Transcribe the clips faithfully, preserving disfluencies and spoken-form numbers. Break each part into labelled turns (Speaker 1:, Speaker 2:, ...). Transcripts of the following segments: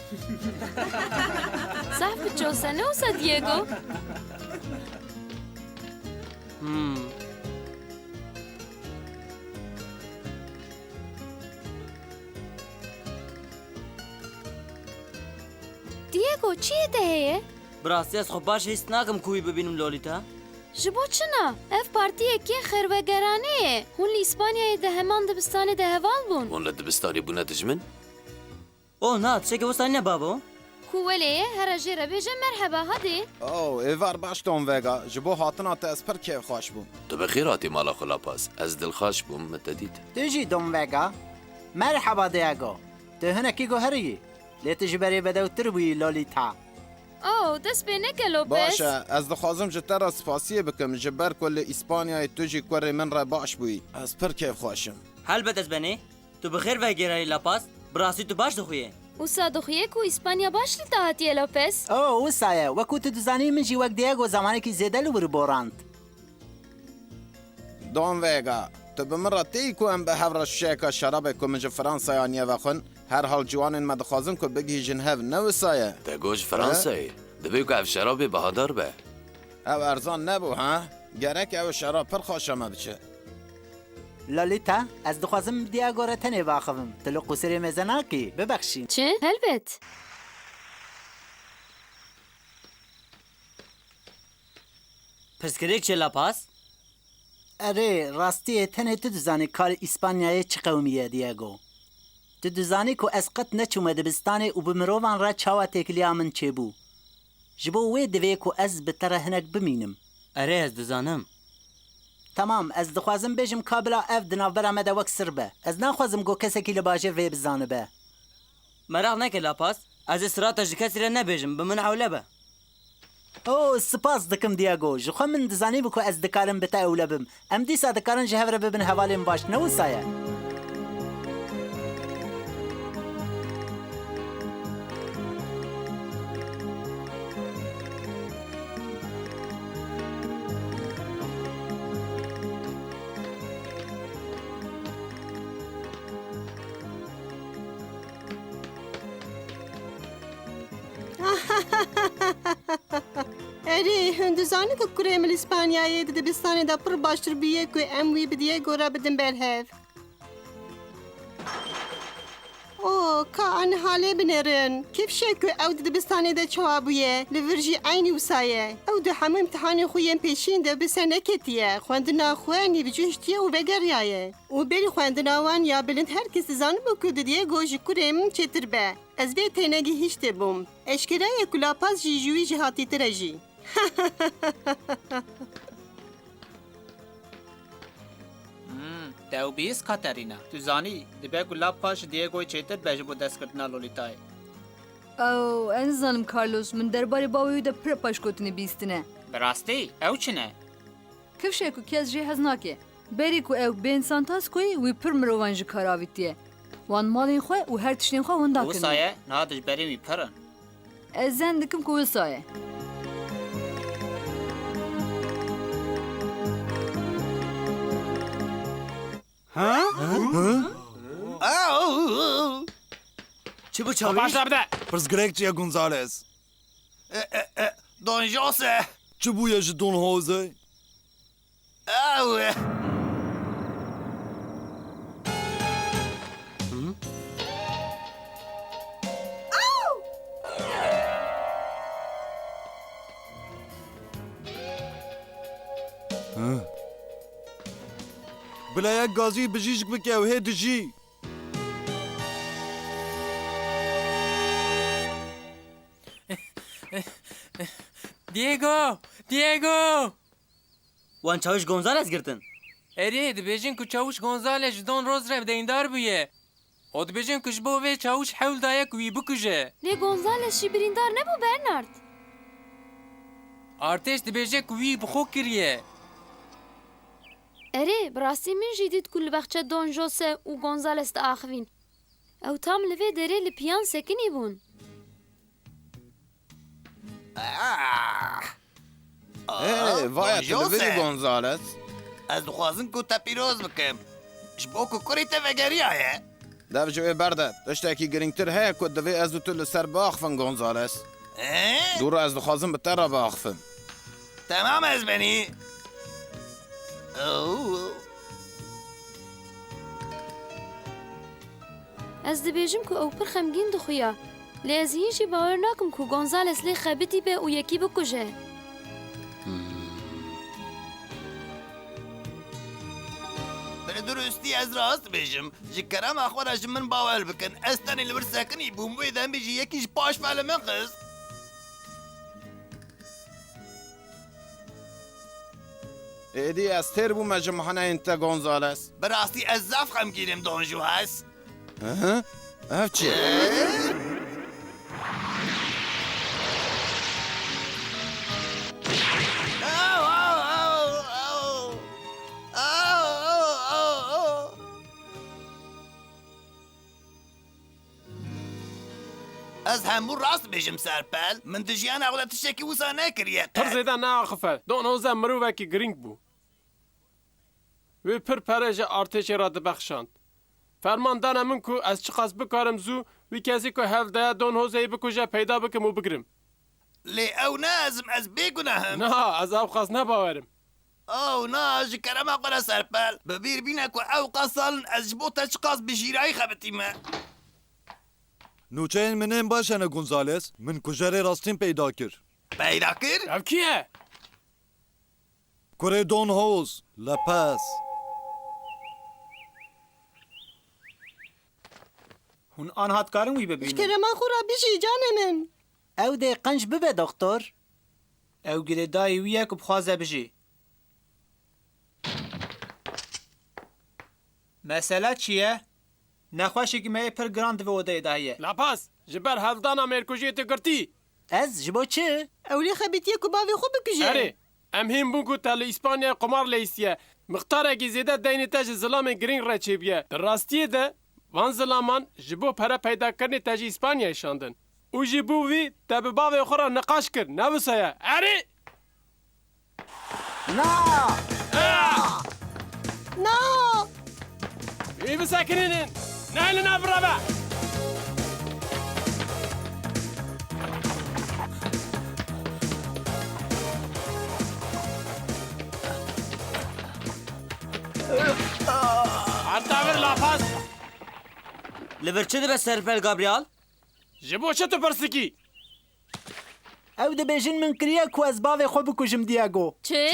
Speaker 1: صاحب جوسه نوسا دييغو
Speaker 2: هم
Speaker 1: دييغو چیه دهیه؟
Speaker 2: براستی از خب باش هیست ناکم کوی ببینم لولیتا
Speaker 1: جبو چنا؟ اف پارتیه که خروگرانه هون لی اسپانیای ده همان دبستان ده هوال بون
Speaker 3: ولا دبستاني بونا دجمن؟
Speaker 2: اوه نا تشکه وستانی نه بابو
Speaker 1: کوولیه هر جیره بیجه مرحبا هدی
Speaker 4: او ایوار باش تون وگا جبو هاتنا تا اسپر کیف خوش بوم
Speaker 3: تو بخيراتي مالا خلاپاس از دلخاش بوم متديت
Speaker 5: تجي دوم فيغا مرحبا دياغو تو هنا كيغو هري ليه تجي بري بدو تربي لوليتا
Speaker 1: او دست به نکه لوپس
Speaker 4: باشه از دخوازم جتر سپاسیه بکم جبر کل اسپانیای توجی کوری من را باش بوی اسپر کیف خوشم
Speaker 2: هل بدز بنی تو بخیر و گیرای لاپاس براستی تو باش دخویه
Speaker 1: وسا دخیه کو اسپانیا باش لی تاهتیه لوپس
Speaker 5: او وسايا وكو تدزاني من جي وقت دياغو زمانك زيادة لوربورانت
Speaker 4: دون وگا تو بمرا تی کو ام به هفر شیکا شراب کو من فرانسا یا نیه وخون هر حال جوانین ما دخوازم کو بگی جنهو نوسایه
Speaker 3: تاگوش فرنساي دبيو قاف شرابي بهادر به
Speaker 4: او ارزان نبو ها گرک او شراب پر خوشم بچه
Speaker 5: لوليتا از دخوازم دياغو را تنه واخفم تلو قصري مزناكي ببخشين
Speaker 1: چه؟ هلبت
Speaker 2: پرسکریک چه لاپاس
Speaker 5: اره راستی تنه تو دزانی کار اسپانیای چه قومیه دیاگو تو دزانی کو اسقط نچومه دبستانه و بمروان را چاوا تکلیا من چه بو جبو وی دوی کو از بتره هنک بمینم
Speaker 2: اره از دزانم
Speaker 5: تمام از دخوازم بجم کابلا اف دنافبرا مده وک سر به از نخوازم گو کسکی لباجر وی بزانه به
Speaker 2: مراغ نکه لاپاس از استراتژی کسی را نبیجم بمن حوله به
Speaker 5: او سپاس دکم دیاگو جخوا من دزانی بکو از دکارم بتا اوله بم ام دیسا دکارن جهور ببن حوالیم باش نو سایه
Speaker 6: اری هندوزانی که کریم اسپانیایی ده دبستانی دا پر باشتر بیه که اموی بدیه گورا بدن برهف او که آن حاله بنرن کیف شه که او ده دبستانی دا چوابویه لورجی عینی وسایه او ده همه امتحانی خویم پیشین ده بسنه کتیه خواندنا خوانی بجوشتیه و بگریایه و بری خواندنا وان یا بلند هر کسی زانو بکو ده دیه گوش کریم چتر به از به تینگی هیچته بوم اشکرای کلاپاس جی جوی جهاتی ترجی
Speaker 7: تو بیس کاترینا تو زانی دبی گلاب پاش دیگوی چیتر بیش بود دست کردن لولیتای
Speaker 8: او انزانم کارلوس من درباره باوی ده پر پاش کوتنی بیستنه
Speaker 7: براستی او چنه
Speaker 8: کف شکو کی از جه هزناکه بری کو او بین سانتاس کوی وی پر مروان جی کاراویتیه وان مالین خو و هر تشتین خو وندا کنه
Speaker 7: وسایه نادش بری می پرن
Speaker 8: ازن دکم کو وسایه
Speaker 2: چی بو چاویش؟
Speaker 7: باش بده
Speaker 9: پرسگرک چیه گونزالز
Speaker 4: دون جوسه
Speaker 9: چه بویه جه دون هوزه؟
Speaker 4: اوه
Speaker 9: بلا یک گازی بجیجک بکه و هی دجی
Speaker 10: دیگو دیگو
Speaker 2: وان چاوش گونزالز گرتن
Speaker 10: اری دبیجین که چاوش گونزالش دون روز رو دیندار بیه او دبیجین که جبو وی چاوش حول دایه کوی بکشه
Speaker 1: لی گونزالش شی بریندار نبو برنارد
Speaker 10: ارتش دبیجین که وی بخو کریه
Speaker 1: اره براستی من جدید کل بخچه دون جوسه و گونزالس دا آخوین او تام لوی داره لپیان سکنی بون
Speaker 4: ای وای تلویزی گونزالس
Speaker 11: از دخوازن کو تا پیروز بکم جبو کو کری تا وگریایه
Speaker 4: dev ji wê berde tiştekî girîngtir heye ku divê ez û tu li ser biaxivin Gonzales. Dûra ez dixwazim bi te re biaxivim.
Speaker 3: تمام از بنی
Speaker 1: Ez dibêjim ku ew pir xemgîn dixuya. Lê ez hîn jî bawer nakim ku Gonzales lê xebitî be û yekî bikuje.
Speaker 3: بر درستی از راست بیجم جی کرم اخوار اج من باور بکن استانی لبر سکنی بوم ویدن بیجی یکیش پاش فعل من قصد
Speaker 4: Êdî ez têr bûme ji mihaneyên te Gonzales.
Speaker 3: براستی از زف خم گیرم دانجو هست
Speaker 4: Hı? Ev çi?
Speaker 3: او او او او او او او از همون راست بیجم سرپل من دجیان اغلا تشکی وسا نکریه
Speaker 11: پر زیده ناخفه دون هوزه مرووکی گرینگ بو وی پر پرژ ارتشی را دبخشاند فرماندان من کو از چی قصد بکارم زو وی کسی که هفته دون هوزه بکوژه پیدا بکم و بگرم
Speaker 3: لی او نازم از بگناهم
Speaker 11: نه از او خواست نباورم
Speaker 3: او نه جی کرم اقرا سرپل ببیر بینه که او قصالن از جبو تشقاص بجیرای خبتی ما
Speaker 9: نوچهین منین باشنه گونزالس من کجره راستین پیدا کر
Speaker 3: پیدا کر؟
Speaker 11: او کیه؟
Speaker 9: کره دون هوز لپس
Speaker 7: هون آن هاتکارم وی ببینم
Speaker 6: کرما خورا بیجی جان من
Speaker 5: ew dê qenc bibe doktor.
Speaker 7: او گریدای ویه که بخوازه بجی مسئله چیه؟ نخواشی که مه پر گراند و odayê dahiye
Speaker 11: لاپاس جبر هفدانا مرکوژی تو گرتی
Speaker 5: Ez ji bo çi?
Speaker 6: ew lê xebitiye ku bavê xwe bikuje.
Speaker 11: اره ام هیم بون کو تل اسپانیا قمار لیسیه مختارکی زیده دینی تاج زلام گرینگ را چیبیه در راستیه ده وان زلامان جبو پرا پیدا کرنی تاج اسپانیا شاندن او جبو وی تب باوی خورا نقاش کر نوسایه اره
Speaker 5: Na!
Speaker 6: Na!
Speaker 11: ای بساکنین نه نبرابه Artaver lafaz.
Speaker 2: Li vir çi dibe Serpel Gabriel?
Speaker 11: Ji bo çi tu pirsikî?
Speaker 5: Ew dibêjin min kiriye ku ez bavê xwe bikujim Diego.
Speaker 1: Çi?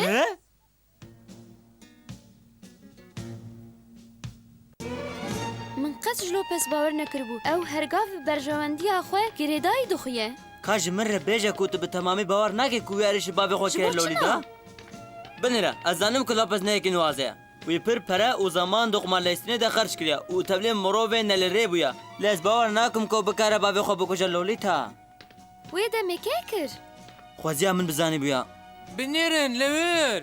Speaker 1: Min qet ji Lopez bawer nekiribû. Ew hergav bi berjewendiya xwe girêdayî dixuye.
Speaker 2: Ka ji min re bêje ku tu bi temamî bawer nakî ku wî êrişî bavê xwe kir lolî da? Binêre ez zanim ku Lopez ne yekî nuwaze ye. Wî pir pere û zaman doxumanlêstinê de xerç kiriye û tevlê mirovên ne li rê bûye. Lê ez bawer nakim ku bikare bavê xwe bikuje lolî ta.
Speaker 1: Wê de me kê kir?
Speaker 2: Xweziya min bizanî bûye.
Speaker 10: Binêrin li wir.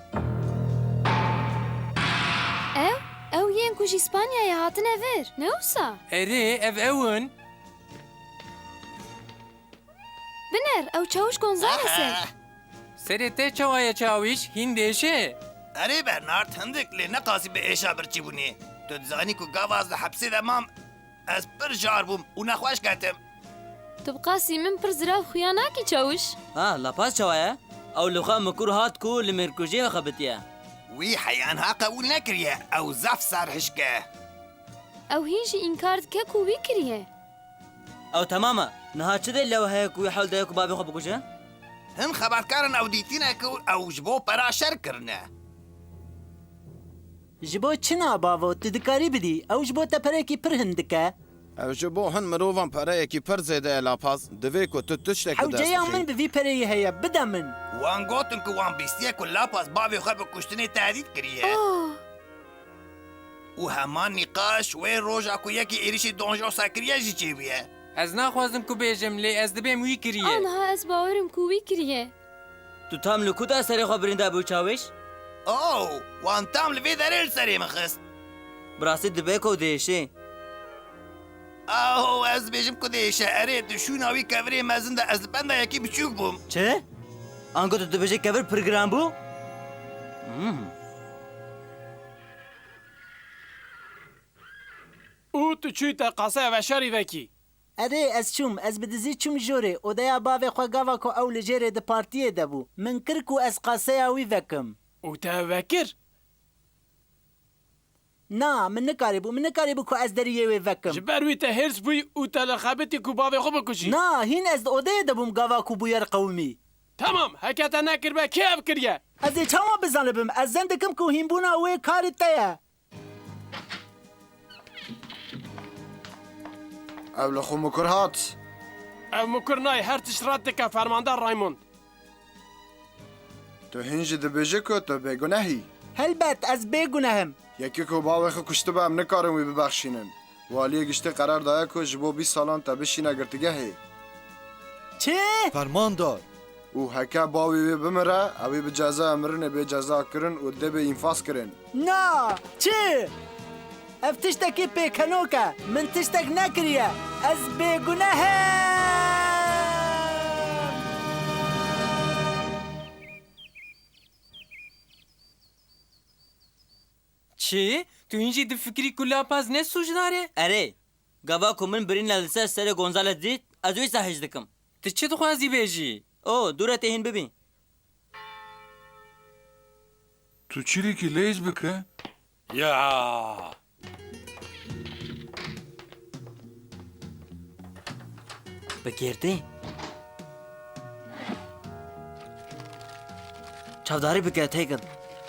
Speaker 1: Ew? Ew yên ku ji Spanyayê hatine vir. Ne wisa?
Speaker 10: Erê ev ewin.
Speaker 1: Biner, ew çawiş Gonzales e.
Speaker 10: Serê te çawaye çawiş hîn dêşe.
Speaker 3: اره برنارد هندک لی نقاسی به ایشا برچی بونی تو دزانی که گاواز ده حبسی ده مام از پر جار بوم و نخواش کتم
Speaker 1: Tu bi qasî min pir zirav xuya nakî çawiş?
Speaker 2: Ha lapas çawaye? Ew li xwe mikur hat ku li mêrkujiyê xebitiye.
Speaker 3: وی حیان ها قبول نکریه او زف سر هشکه
Speaker 1: Ew hîn jî înkar dike ku wî kiriye.
Speaker 2: Ew temam e. Niha çi dê lew heye ku wî hewl daye ku bavê xwe bikuje?
Speaker 3: هم خبرکارن او دیتینه که او جبو پرا شر کرنه
Speaker 5: Ji bo çi nabavo tu dikarî bidî ew ji bo te perekî pir hin dike.
Speaker 4: Ew ji bo hin mirovan pereyekî pir zêde ye lapaz divê ku tu tiştekî
Speaker 5: Hewceya min bi vî pereyê heye bide min.
Speaker 3: وان گوتن که وان بیستیه که لاپاس باوی خواه به کشتنی تهدید کریه
Speaker 1: Oh!
Speaker 3: و همان نقاش و روژا که یکی ایریشی دونجو سکریه جی چی بیه
Speaker 10: Ez naxwazim ku bêjim lê ez dibêm wî kiriye.
Speaker 1: Aniha ez bawerim ku wî kiriye.
Speaker 2: Tu tam li ku da serê xwe birînda bû çawiş?
Speaker 3: اوه وان تام لوی دریل سری مخست
Speaker 2: Bi rastî dibe ku dêşê.
Speaker 3: اوه از بیجم که دیشه اره دشونا وی کوری مزن ده از بنده یکی بچوک بوم
Speaker 2: Çi? Ango tu dibêjî kevir pir giran bû?
Speaker 11: û tu çûyî te qasaya veşarî vekî.
Speaker 5: Erê ez çûm ez bi dizî çûm jorê odeya bavê xwe gava ku ew li jêrê di partiyê de bû min kir ku ez qaseya wî vekim.
Speaker 11: û te vekir?
Speaker 5: Na min nikarîbû min nikarîbû ku ez deriyê wê vekim.
Speaker 11: Ji ber wî te hêrs bûyî û te li xebitî ku bavê xwe bikuşî.
Speaker 5: Na hîn ez di odeyê de bûm gava ku bûyer qewmî.
Speaker 11: Tamam heke te nekiribe kê ev kiriye?
Speaker 5: Ez ê çawa bizanibim ez zen dikim ku hînbûna wê karê te ye.
Speaker 12: Ev li xwe mikur hat.
Speaker 11: Ev mukir nayê her tişt rat dike fermandar Raymond.
Speaker 12: Tu hîn jî dibêje ku tu bêgunehî.
Speaker 5: Helbet ez bêgunehim.
Speaker 12: Yekî ku bavê xwe kuştibe em nikarin wî bibexşînin. Waliyê giştî qerar daye ku ji bo bîst salan te bişîne girtîgehê.
Speaker 5: Çi?
Speaker 9: Fermandar.
Speaker 12: û heke bavê wê bimire, ew ê bi ceza mirinê bê ceza kirin û dibê înfas kirin.
Speaker 5: Na çi? Ev tiştekî pêkenok e min tiştek nekiriye ez bêgunehim.
Speaker 10: Çi? Tu hîn jî difikirî ku lapaz ne sujdare?
Speaker 2: Erê, gava ku min birîne li ser serê Gonzales dît, ez wî sahîj dikim.
Speaker 10: Tu çi dixwazî bêjî?
Speaker 2: O, dûre tê hîn bibîn.
Speaker 13: Tu çîrêkî lêz bike?
Speaker 10: Ya.
Speaker 2: Bigêrdî? Çavdarî bike têkin.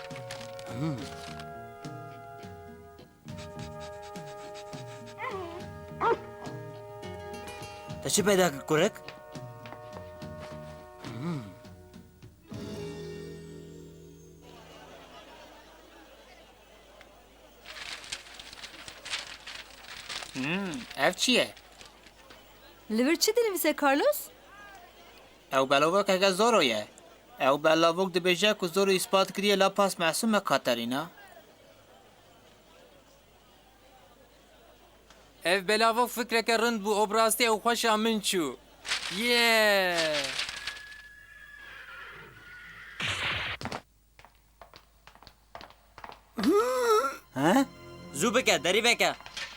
Speaker 2: Te çi peyda kir kurek?
Speaker 7: Ev çi ye?
Speaker 8: Li vir çi dinivîse Carlos?
Speaker 7: Ew belavok heke zoro ye. Ew belavok dibêje ku zoro îspat kiriye la pas mesûm me Katerîna.
Speaker 10: Ev belavok fikreke rind bû obrastê ew xweşa min çû. Ye.
Speaker 5: Ha?
Speaker 2: Zû bike, derî veke.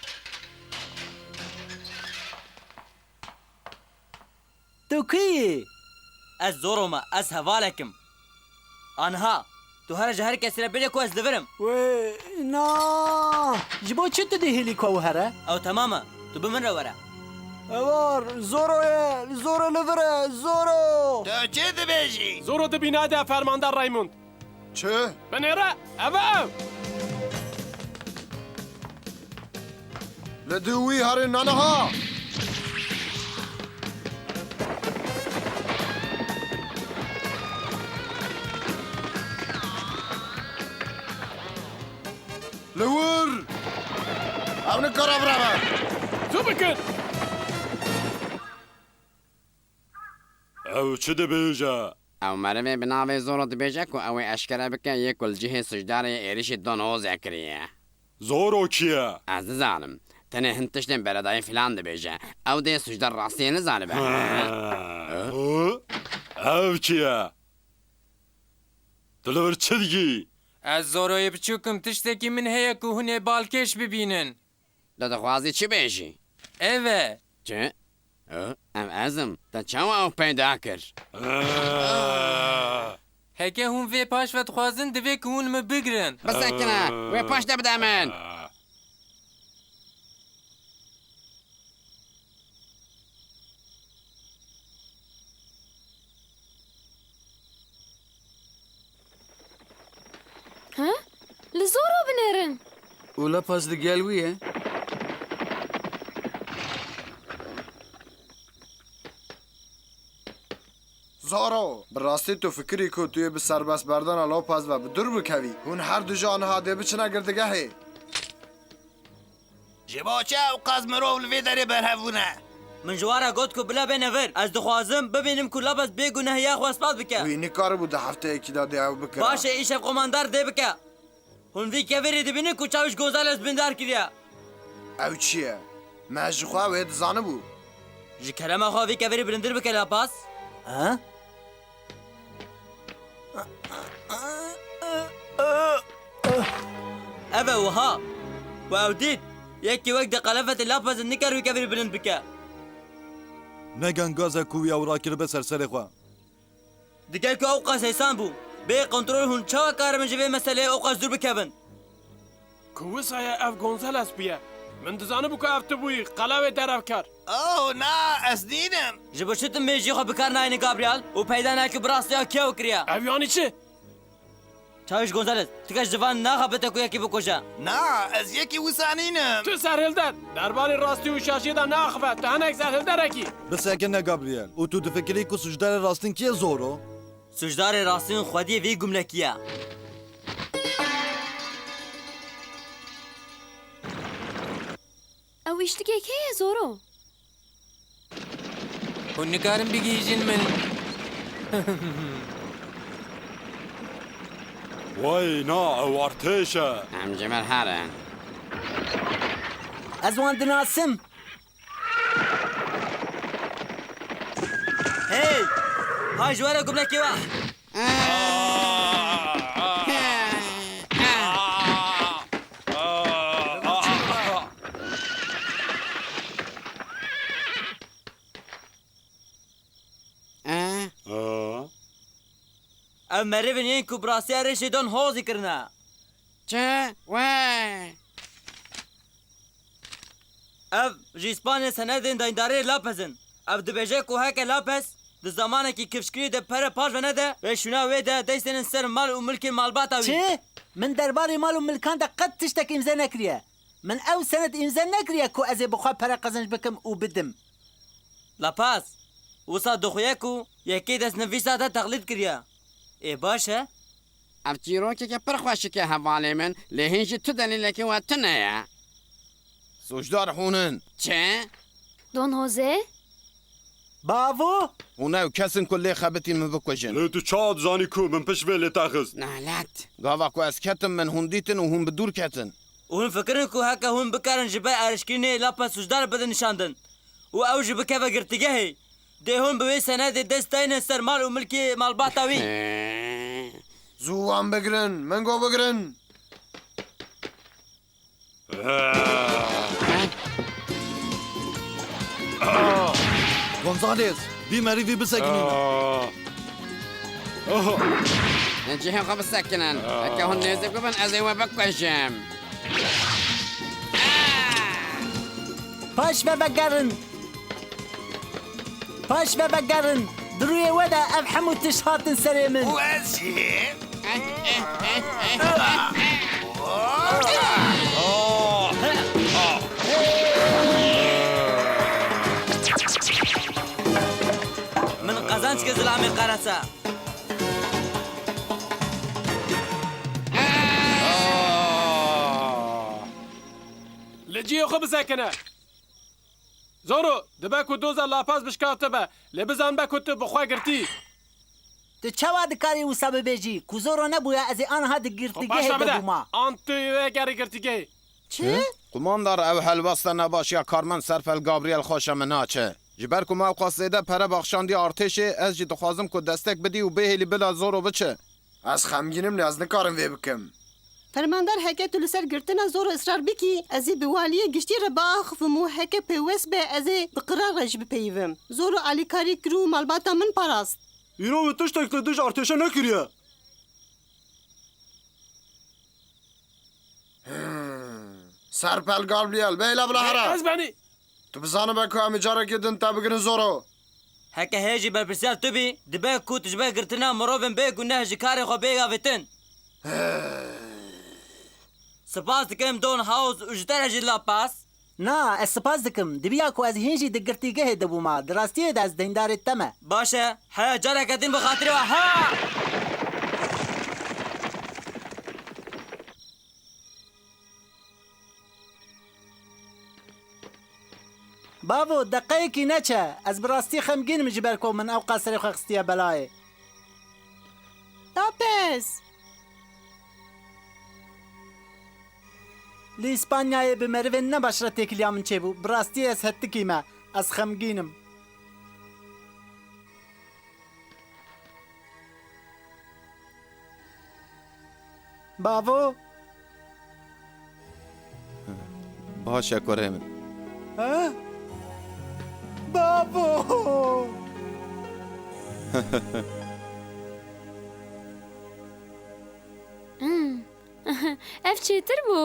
Speaker 5: Tu kî?
Speaker 2: Ez zoro me, ez hevalekim. Anha, tu her ji her kesî re bêje ku ez divirim.
Speaker 5: Wê na ji bo çi tu dihêlî ku ew here?
Speaker 2: Ew temam e, tu bi min re were.
Speaker 5: Evar zoro ye zoro li vir e zoro.
Speaker 3: Tu çê dibêjî?
Speaker 11: Zoro di bînadê ya fermandar Raymond.
Speaker 12: Çi?
Speaker 11: Binêre ev ev.
Speaker 12: Li dû wî herin naniha. Li wir! Ew nikare bireve.
Speaker 11: Zû bikin.
Speaker 9: Ew çi dibêje?
Speaker 14: Ew merivê bi navê Zoro dibêje ku ew ê eşkere bike yê ku li cihê sujdarê êrişî Don Jose kiriye.
Speaker 9: Zoro kî ye?
Speaker 14: Ez dizanim. Tenê hin tiştên beredayî filan dibêje. Ew dê sujdar rastiyê nizanibe.
Speaker 9: Ew kî ye? Tu li vir çi digî?
Speaker 10: Ez Zoroyê biçûkim tiştekî min heye ku hûn ê balkêş bibînin.
Speaker 14: Tu dixwazî çi bêjî?
Speaker 10: Ev e.
Speaker 14: Çi? Ev ezim. Te çawa ew peyda kir?
Speaker 10: Heke hûn vê paş ve dixwazin divê ku hûn me bigirin.
Speaker 14: Bisekine. Wê paş de bide min.
Speaker 1: Ha? Li zoro binêrin.
Speaker 13: û lepaz di gel wî ye?
Speaker 12: Zoro, bi rastî tu fikirî ku tu yê bi serbestberdana Lopez ve bi dur bikevî. Hûn her du ji aniha dê biçine girdigehê.
Speaker 3: Ji bo çi ew qas mirov li vê derê berhevbûne?
Speaker 2: Min ji wara got ku bila bêne vir. Ez dixwazim bibînim ku Lopez bêgunehiya xwe ispat bike.
Speaker 12: Wî nikaribû di hefteyekî de dê ew bikire.
Speaker 2: Baş e îşev komandar dê bike. Hûn vî kevirê dibînin ku çawiş Gonzales bindar kiriye.
Speaker 12: Ew çi ye? Me ji xwe wê dizanibû.
Speaker 2: Ji kerema xwe vî kevirê bilindir bike Lapas.
Speaker 5: Ha?
Speaker 2: Ev e wiha. We ew dît. یەکی وەک دەقەلەفەتی لاپەزن نکەر وی کەبیر بلند بکە
Speaker 9: نەگەن گازە کووی ئەوڕاکرد بە سەرسەرێ خوا
Speaker 2: دیگەر کە ئەو قەس هێسان بوو بێ قۆنترۆل هون چاوە کارە من ji vê meseleyê ئەو قەس دوور bikevin
Speaker 11: ku wisaya ev Gonzales bûye min dizanibû ku ev tu bûyî qelawê derevkar
Speaker 3: Oh na ez nînim
Speaker 2: ji bo çi tu mêjî xwe bikar nayînî Gabriel û peyda nakî bi rastiya kêw kiriye
Speaker 11: ev yanî çi
Speaker 2: Çawiş Gonzales tu kes civan naxebite ku yekî bikuje
Speaker 3: Na ez yekî wisa nînim
Speaker 11: Tu serhilder derbarê rastî û şaşiyê de naxive tu hinek serhilderekî
Speaker 9: Bisekine Gabriel û tu difikirî ku sucdarê rastîn kê zor o
Speaker 2: Sucdarê rastîn xwediyê vê gumlekiye
Speaker 1: Ew îştikek heye Zoro
Speaker 10: hûn nikarin bigîjin min
Speaker 9: Way na ew artêş e
Speaker 14: Em ji min herin
Speaker 5: Ez wan dinasim.
Speaker 2: Hey hay ji were gumlekê we Ev merivên yên ku bi rastiya rêşê dan hozî kirine
Speaker 14: Çi we
Speaker 2: Ev ji İspanyayê senedên dayîndariyê lapezin Ev dibêje ku heke lapez di zamanekî kifşkirî de pere paş ve nede ve şûna wê de destên ser mal û milkên malbata wî
Speaker 5: Çi? Min derbarê mal û milkan de qet tiştek îmze nekiriye. Min ew senet îmze nekiriye ku ez ê bixwe pere qezinc bikim û bidim.
Speaker 2: Lapaz wisa dixuye ku yekê destnivîsa te teqlîd kiriye Ê baş e
Speaker 14: Ev çîrokeke pir xweşik e hevalê min lê hîn jî tu delîlekê we tune ye
Speaker 4: Sucdar hûnin
Speaker 14: Çi
Speaker 1: Don Jose
Speaker 5: Bavo
Speaker 4: hûn ew kesin ku lê xebitî min bikujin
Speaker 9: Lê tu ça dizanî ku min piş vê lê texist
Speaker 14: Nalet
Speaker 4: Gava ku ez ketim min hûn dîtin û hûn bi dûr ketin
Speaker 2: hûn fikirin ku heke hûn bikarin ji ber erişkirînê lapez sucdar bidin nişandin û ew jî bikeve girtîgehê dê hûn bi wê senedê dest dayînin ser mal û milkê malbata wî
Speaker 12: Zû wan bigirin min got bigirin
Speaker 9: Gonzales vî merîvî bisekinîne
Speaker 14: cihê xwe bisekinin heke hûn nêzik bibin ez ê we bikujim
Speaker 5: Paş ve vegerin. Paş ve vegerin. Duruyê we de ev hemû tiş hatin serê min.
Speaker 3: û ez jî
Speaker 2: Min qezanc ke zilamê qerese
Speaker 11: li ciyê xwe bisekine Zoro dibe ku doza lapaz bişkavte be lê bizan be ku tu bi xwe girtî
Speaker 5: Tu çawa dikarî wisa bibêjî ku Zoro nebûye ez ê aniha di girtîgehê
Speaker 11: Başla bide
Speaker 5: bibûma.
Speaker 11: an tu wê gerî girtîgehê
Speaker 5: Çi?
Speaker 4: Kumandar ev helbasta nebaşiya karmen serfel Gabriel xweşa min naçe ji ber ku me ew qasêde pere baxşandiya artêşê ez jî dixwazim ku destek bidî û bêhêlî bila Zoro biçe
Speaker 12: Ez xemgînim lê ez nikarim vê bikim
Speaker 6: Fermandar heke tu li ser girtina Zoro israr bikî ez ê bi waliyê giştî re biaxivim û heke pêwest be ez ê bi qirar re jî bipeyivim Zoro alîkarî kir û malbata min parast
Speaker 9: Îro wê tiştek li dij artêşe nekiriye
Speaker 12: Serpel Gabriel bêle bila here
Speaker 11: Ez benî
Speaker 12: Tu bizanibe ku em ê carekê din te bigirin Zoro
Speaker 2: heke hê jî berpirsiyar tu bî dibe ku tu ji ber girtina mirovên bê ku neh ji karê xwe bêgavetin Spas dikim Don House û ji te re jî lapaz
Speaker 5: Na ez spas dikim dibiya ku ez hîn jî di girtîgehê dibûma di rastiyê de ez deyindarê te me.
Speaker 2: Baş e heya careke din bi xatirê we ha
Speaker 5: Bavo deqeyekî neçe ez bi rastî xemgînim ji ber ku min ew qaserê xwe xistiye belayê.
Speaker 6: Tapez
Speaker 5: Li İspanyayê bi merivên ne baş re têkiliya min çêbû. Bi rastî ez hettikî me. Ez xemgînim. Bavo
Speaker 4: باشه کوره من
Speaker 5: بابو
Speaker 1: ev çêtir bû.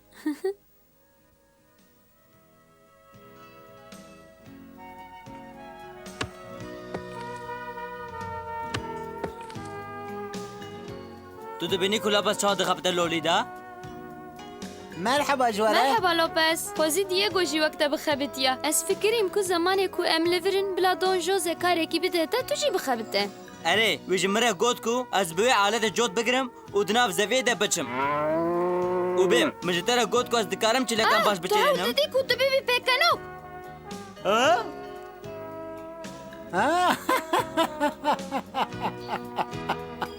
Speaker 2: تو dibînî ku lapas çawa dixebite lolî da?
Speaker 5: مرحبا جواره
Speaker 1: Merhaba Lopez. Xwezî Diego jî wekte bixebitiye. Ez fikirîm ku zemanê ku em li virin bila Don Jose karekî bide te tu jî bixebite.
Speaker 2: Erê wê ji min re got ku ez bi wê aletê cot bigirim û di nav zeviyê de biçim. û bêm min ji te re got ku ez dikarim çîlekan baş
Speaker 1: Tu hewl
Speaker 2: biçêrînim.
Speaker 1: didî ku tu bibî pêkenok.
Speaker 2: Ha?